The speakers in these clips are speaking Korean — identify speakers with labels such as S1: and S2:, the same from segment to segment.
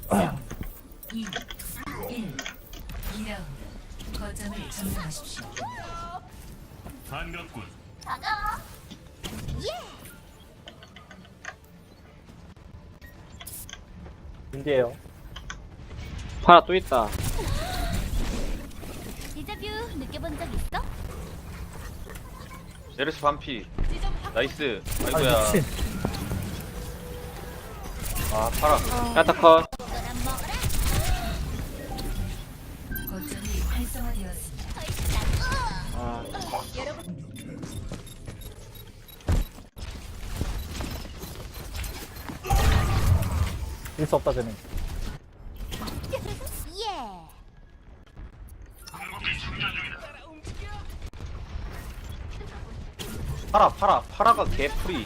S1: 2, 1. 2라운드. 거점을 점령하십시오.
S2: 반갑군.
S3: 인디에요.
S4: 파라 또 있다.
S5: 데자뷰 느껴본 적 있어?
S6: 메르시 반피. 나이스.
S3: 아니
S6: 아이고야.
S3: 미친.
S6: 아 파라.
S4: 야타컷.
S5: 너랑 먹어라.
S1: 거점이 활성화되었습니다.
S4: 아,
S5: 여러분
S3: 일수 없다 쟤는.
S5: 예.
S6: 파라가 개프리.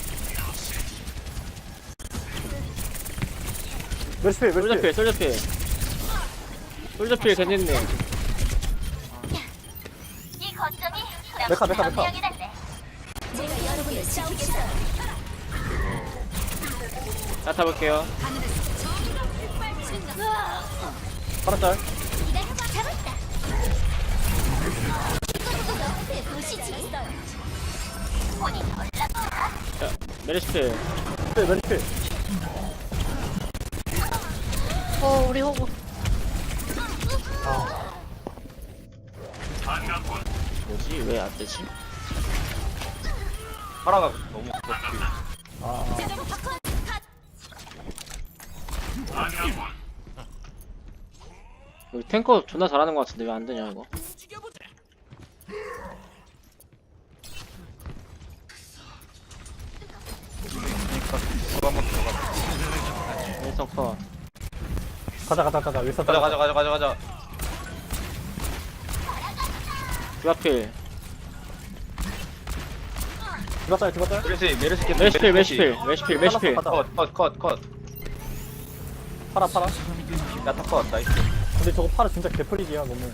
S3: 멸시필 멸시필.
S4: 솔저필. 솔저필 괜찮네.
S5: 이 거점이
S3: 메카.
S5: 명령이란데. 제가 여러분을 지키겠어요.
S4: 야타 볼게요.
S3: 파란짤.
S5: 기다려봐. 잡았다. 이것도 보시지. 본인 올라가.
S4: 자, 메르시필.
S3: 멸시필.
S7: 우리 호구.
S2: 반갑군.
S4: 뭐지? 왜 안 되지?
S6: 파라가 너무 개프리.
S2: 반갑군.
S4: 여기 탱커 존나 잘하는 것 같은데 왜 안 되냐 이거?
S6: 이거 한번 들어가.
S4: 윈선 컷.
S3: 가자. 윌선
S6: 가자.
S4: 디바필.
S3: 죽었어요.
S6: 메르시 개프리.
S4: 메르시필.
S6: 컷.
S3: 파라.
S6: 야타 컷. 나이스.
S3: 근데 저거 파라 진짜 개풀이기야 너무.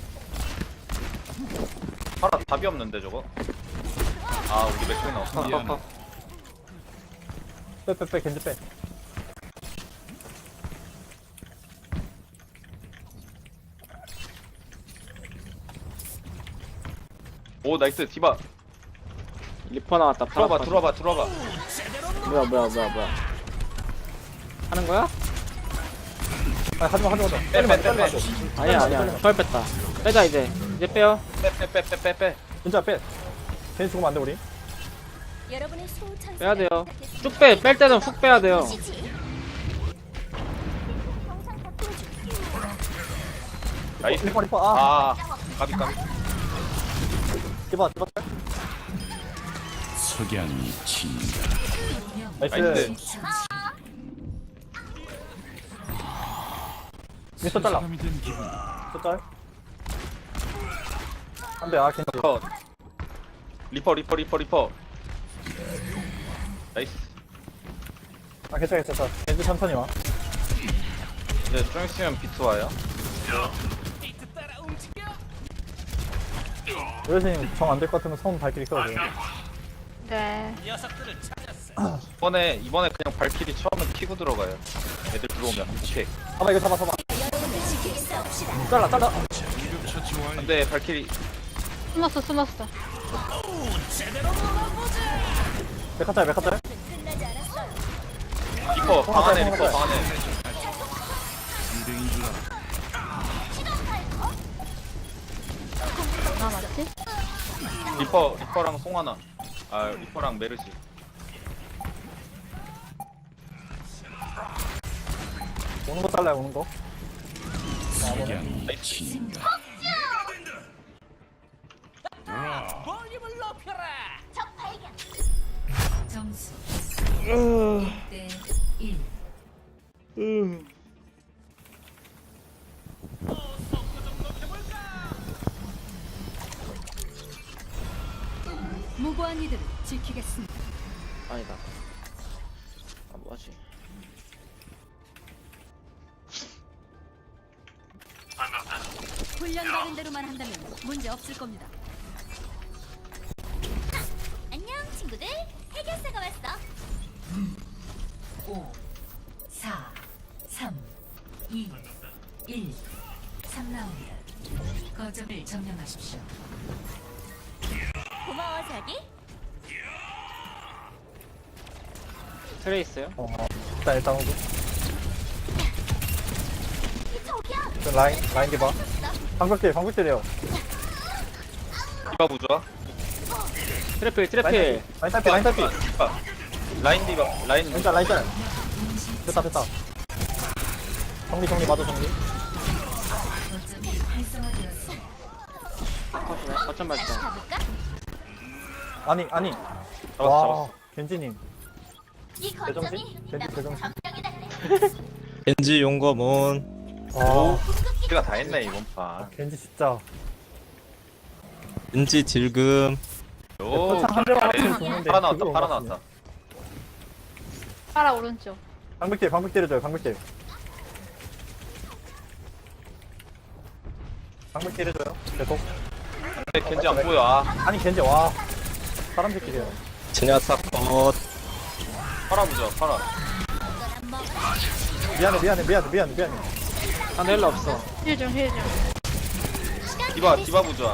S6: 파라 답이 없는데 저거. 아 우리 맥주 나왔어.
S4: 컷.
S3: 빼 겐지 빼.
S6: 오 나이스 디바.
S4: 리퍼 나왔다. 파라 컷.
S6: 들어와봐.
S4: 뭐야. 하는 거야?
S3: 아 하지마.
S6: 빼.
S4: 아니야. 펄 뺐다. 빼자 이제 빼요.
S6: 빼.
S3: 진짜 빼. 괜히 죽으면 안돼 우리.
S5: 여러분의 소천사.
S4: 빼야 돼요. 쭉 빼. 뺄 때는 훅 빼야 돼요.
S6: 나이스.
S3: 리퍼. 아.
S6: 까비.
S3: 디바.
S2: 석양이 친다.
S3: 나이스.
S6: 나이스.
S3: 윌선 잘라.
S2: 사람이 된 기분.
S3: 짤. 안돼. 아 겐지.
S6: 컷. 리퍼. 나이스.
S3: 아 괜찮아. 겐지 천천히 와.
S6: 이제 좀 있으면 비트 와요.
S3: 윌선님 정 안 될 것 같으면 손 발길이 켜야 돼요.
S7: 네.
S6: 이번에 그냥 발키리 처음에 키고 들어가요. 애들 들어오면. 오케이.
S3: 잡아 이거 잡아.
S5: 여러분을 지키겠어.
S3: 잘라.
S2: 응급처치 완료.
S6: 안돼 발키리.
S7: 숨었어.
S3: 메카짤.
S5: 끝나지 않았어요.
S6: 리퍼 방 안에.
S2: 유대인 줄 알아.
S7: 나 맞지?
S6: 리퍼랑 송하나. 아 리퍼랑 메르시.
S3: 오는 거 잘라요. 오는 거.
S2: 석양이 친다.
S5: 적 발견.
S1: 점수 1대 1. 무고한 이들을 지키겠습니다.
S4: 아니다. 아 뭐하지?
S1: 훈련받은 대로만 한다면 문제 없을 겁니다.
S5: 안녕 친구들. 해결사가 왔어.
S1: 5, 4, 3, 2, 1. 3라운드. 거점을 점령하십시오.
S5: 고마워 자기.
S4: 트레 있어요?
S3: 일단 오고.
S5: 저기야.
S3: 저 라인 디바. 방벽들이에요.
S6: 디바 부좋아.
S4: 트래필
S3: 라인 탈피.
S6: 라인 디바 라인
S3: 라인 짤. 됐다. 정리 맞아 정리.
S1: 거점이 활성화되었습니다.
S4: 컷이네 거점
S5: 다시
S4: 발전.
S5: 가볼까?
S3: 아니.
S6: 잡았어.
S3: 겐지님.
S5: 이 거점이
S3: 대정신.
S5: 점령해달래.
S8: 겐지 용검은
S3: 와,
S6: 우리가 다 했네 이번 판.
S3: 겐지 진짜.
S8: 겐지 딜금
S6: 오,
S3: 포창 한 대만
S6: 잘해.
S3: 맞추면 좋은데
S6: 팔아 나왔다.
S3: 그거
S6: 팔아
S3: 맞추네.
S6: 나왔다.
S7: 파라 오른쪽.
S3: 방벽 때려줘요. 방벽 때려줘요. 계속.
S6: 근데 겐지 안 보여. 아,
S3: 아니 겐지 와. 사람 새끼세요.
S8: 제냐타 컷
S6: 팔아 부좋아. 팔아.
S3: 미안해.
S4: 상대 헬러 없어.
S7: 힐 좀.
S6: 디바 부좋아.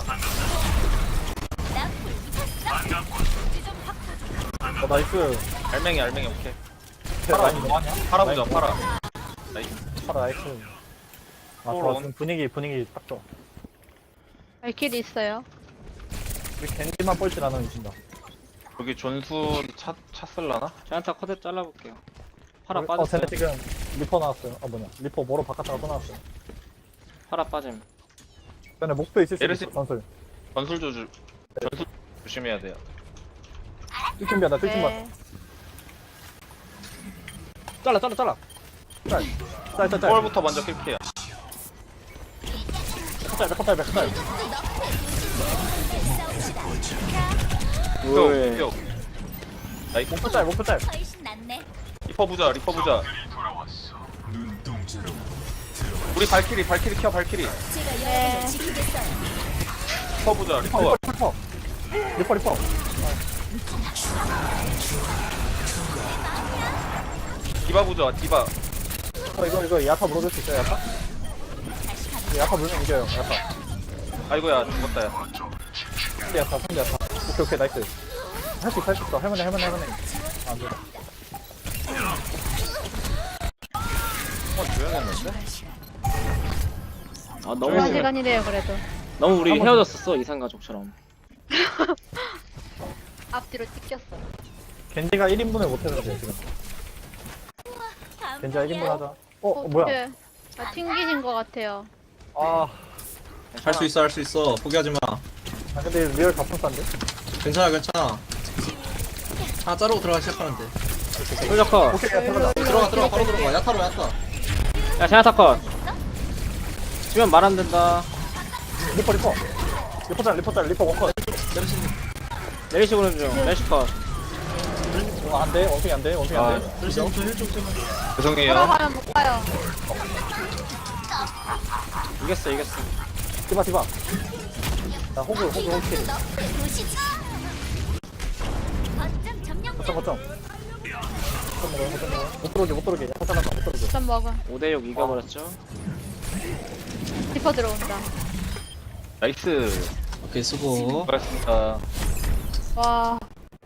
S3: 나이스.
S6: 알맹이 오케이.
S3: 라인 뭐하냐?
S6: 팔아 부좋아. 팔아.
S3: 나이스. 아 좋아.
S6: 홀.
S3: 지금 분위기 딱 좋아.
S7: 발길이 있어요.
S3: 우리 겐지만 뻘짓 안 하면 이긴다.
S6: 여기 존수 찼을라나?
S4: 제한타 컷에 잘라볼게요. 파라
S3: 쟤네
S4: 빠졌어요.
S3: 지금 리퍼 나왔어요. 리퍼 뭐로 바깥다가 또 나왔어요.
S4: 파라 빠짐.
S3: 근데 목표 있을 수
S6: 에르시-
S3: 있어. 전술.
S6: 전술 조심해야 돼요.
S3: 뚫kim비하다.
S7: 네.
S3: 잘라. 짤.
S6: 초월부터 먼저 킬게요.
S3: 짤.
S4: 왜?
S6: 표. 나이스.
S3: 목표 짤.
S5: 훨씬 낫네.
S6: 리퍼 부자. 우리 발키리 켜 발키리.
S5: 제가
S7: 네.
S5: 여러분을 지키겠어요.
S6: 리퍼 부자. 리퍼.
S3: 리퍼.
S6: 디바 부자. 디바.
S3: 이거 야타 물어줄 수 있어요, 야타? 야타 물면 이겨요, 야타.
S6: 아이고야 죽었다 야.
S3: 상대 야타. 오케이, 나이스. 할 수 있어. 할만해. 안 돼.
S6: 조용했는데?
S4: 아
S7: 좋은
S4: 너무
S7: 시간이네요 그래도.
S4: 너무 우리
S3: 한번
S4: 헤어졌었어 이산 가족처럼.
S7: 앞뒤로 찢겼어.
S3: 겐지가 1인분을 못해서 그래, 지금. 겐지가 1인분 하자. 뭐야?
S7: 어떡해. 아 튕기신 것 같아요.
S3: 아,
S8: 할 수 있어 포기하지 마
S3: 근데 리얼 갑분싼데?
S8: 괜찮아 하나 자르고 들어가 시작하는데
S4: 솔저 컷.
S3: 오케이, 야타 가자.
S8: 들어가 바로 들어가 야타로 야타
S4: 야 제한타 컷. 지면 말 안 된다.
S3: 리퍼 원컷.
S4: 내리시 보는 중. 내리시 컷.
S3: 안 돼, 원숭이 안 돼.
S6: 죄송해요.
S7: 돌아가면 못 가요.
S4: 이겼어.
S3: 디바. 나 호그 킬.
S5: 보시죠. 거점 점령.
S3: 거점. 못 들어오게. 야타 잘랐다, 못 들어오게.
S7: 좀 먹어.
S4: 5대6 이겨버렸죠.
S7: 리퍼 들어온다.
S6: 나이스.
S8: 오케이 수고
S6: 수고하셨습니다.
S7: 와.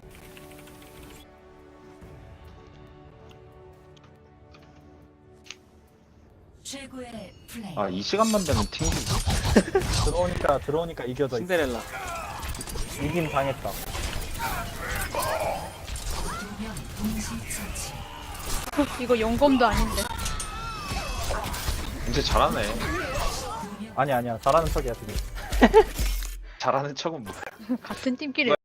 S1: 최고의 플레이.
S6: 아 이 시간만 되면 튕기.
S3: 들어오니까 이겨져.
S4: 신데렐라.
S3: 이김 당했다.
S1: 두명 동시 처치.
S7: 이거 용검도 아닌데.
S6: 이제 잘하네.
S3: 아니야. 잘하는 척이야, 지금.
S6: 잘하는 척은 뭐야?
S7: 같은 팀끼리